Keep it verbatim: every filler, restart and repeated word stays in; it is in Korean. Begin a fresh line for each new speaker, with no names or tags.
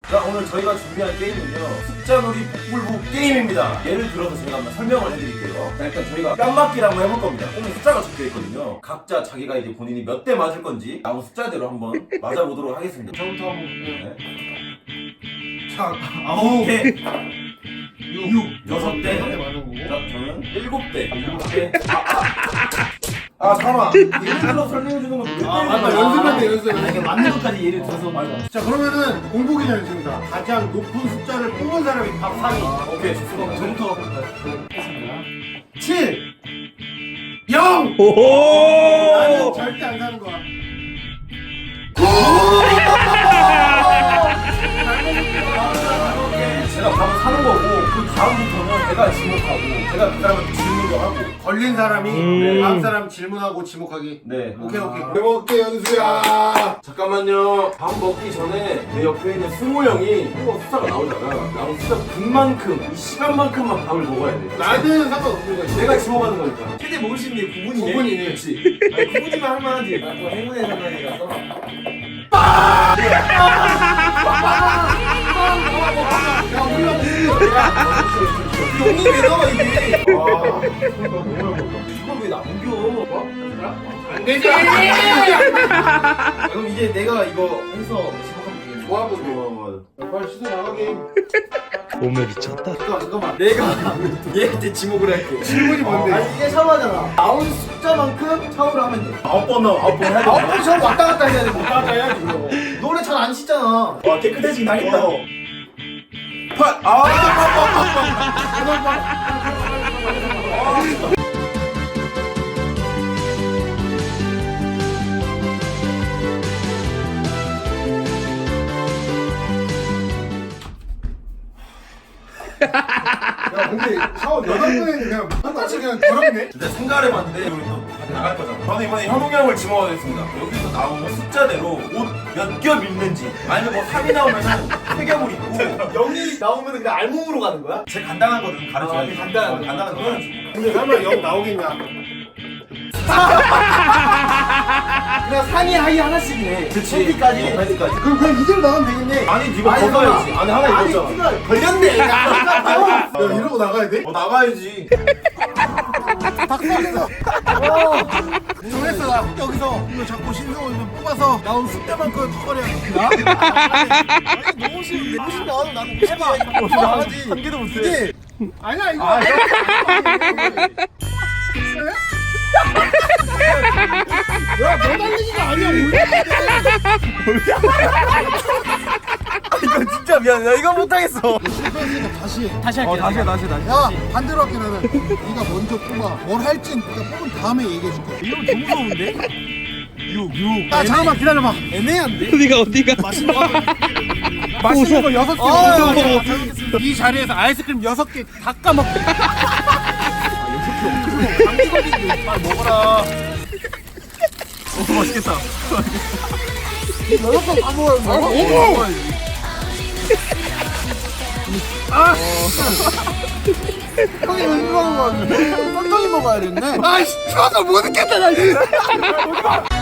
자, 오늘 저희가 준비한 게임은요, 숫자놀이 복불복 게임입니다. 예를 들어서 제가 한번 설명을 해드릴게요. 자, 일단 저희가 뺨맞기를 한번 해볼 겁니다. 꼭 숫자가 적혀 있거든요. 각자 자기가 이제 본인이 몇 대 맞을 건지 나온 숫자대로 한번 맞아보도록 하겠습니다.
저부터 한번 볼게요.
네.
자, 아홉
대,
육
여섯 대,
여섯 대 맞는 거고.
자, 저는 일곱 대, 일곱 대.
아, 잠깐만.
예를 들어 설명해주는 건 몇
아,
대인
맞다.
거야?
연습할 때 연습.
아, 이게 맞는 것까지 예를 들어서 맞아.
자, 그러면은 공복이 전입니다. 가장 높은 숫자를 뽑은 사람이 밥 사 위.
오케이, 좋습니다.
저부터 하겠습니다.
칠, 영.
오호!
나는 절대 안 사는 거야.
제가 밥을 사는 거고, 그 다음부터는 제가 지목하고, 제가 그 사람한테 질문도 하고.
걸린 사람이
음.
다음 사람 질문하고 지목하기.
네.
오케이, 오케이. 해볼게, 연수야.
잠깐만요. 밥 먹기 전에 내 옆에 있는 승우 형이 한번 숫자가 나오잖아. 나온 숫자 분만큼, 이 시간만큼만 밥을 먹어야 돼.
나는 상관없는 거야.
내가 지목하는 거니까.
최대 먹을 수 있는 게 구 분이네.
구 분이네.
그렇지.
아니, 구 분이면 할만하지. 아, 또 행운의 상관이라서.
야, 우리가
용이 왜 나와, 이게? 와, 이걸 왜 남겨?
안 되지.
그럼 이제 내가 이거 해서 지목하면 되겠네.
뭐 하면 돼? 빨리 시도 나가게.
몸에 미쳤다.
잠깐만, 잠깐만.
내가 얘한테 지목을 할게.
질문이 뭔데?
아니, 이게 샤워하잖아. 나온 숫자만큼 샤워를 하면 돼.
아홉 번 나와, 아홉 번 해야 돼.
아홉 번 샤워 왔다 갔다 해야 돼.
왔다 갔다 해야지, 그거.
노래 잘 안 씻잖아.
와, 깨끗해지긴 하겠다.
어.
팔, 아,
야, 근데 샤워 여덟 번에 그냥 한 번씩 그냥 더럽네.
진짜 생각을 해봤는데 우리 또 다들 나갈 거잖아. 저는 이번에 현웅이 형을 지목하겠습니다. 여기서 나온 숫자대로 옷 몇 겹 입는지, 아니면 뭐 삼이 나오면은 세 겹을 입고.
영이 나오면 그냥 알몸으로 가는 거야?
제일 간단한 거는 가르쳐야
아,
돼.
간단한
어,
거.
간단한 거는.
근데 설마 영 나오겠냐?
그냥 상의 하위 하나씩이네.
그치.
까지
까지.
그럼 그냥 이대로 나가면 되겠네.
아니, 니가
아니,
더 가야지. 안에 하나
아니,
입었잖아.
네가 걸렸네.
야, 이러고 나가야 돼?
어, 나가야지.
박수하겠어. 정했어, 나. 여기서 이거 자꾸 신성을 뽑아서 나온 숫자만큼 턱걸이야.
너무 싫은데. 너무 싫다. 나는 해봐. 나가지.
한 개도 못해.
이게
아니야, 이거.
아,
야, 너 달리기가 아니야, 우리.
이거 진짜 미안해. 나 이거 못하겠어.
실패했으니까 다시 해.
다시 할게.
어, 다시 해, 다시 해, 다시 해.
야, 반대로 할게, 나는. 네가 먼저 뽑아. 뭘 할지 네가 뽑은 다음에 얘기해줄게.
이거 너무 무서운데?
육, 육.
야, 잠깐만 기다려봐.
애매한데?
어디가 어디가?
맛있는 거. 맛있는 거 여섯 개.
아,
먹어.
야,
이 자리에서 아이스크림 여섯 개 다 까먹게.
감기걸리는데 빨리 먹어라.
어, 맛있겠다.
여섯 개 다 먹어야 돼.
어머!
형이 왜 이거 하는 거야? 깜짝이 먹어야 됐네. 아이씨, 추워서 못 있겠다, 나.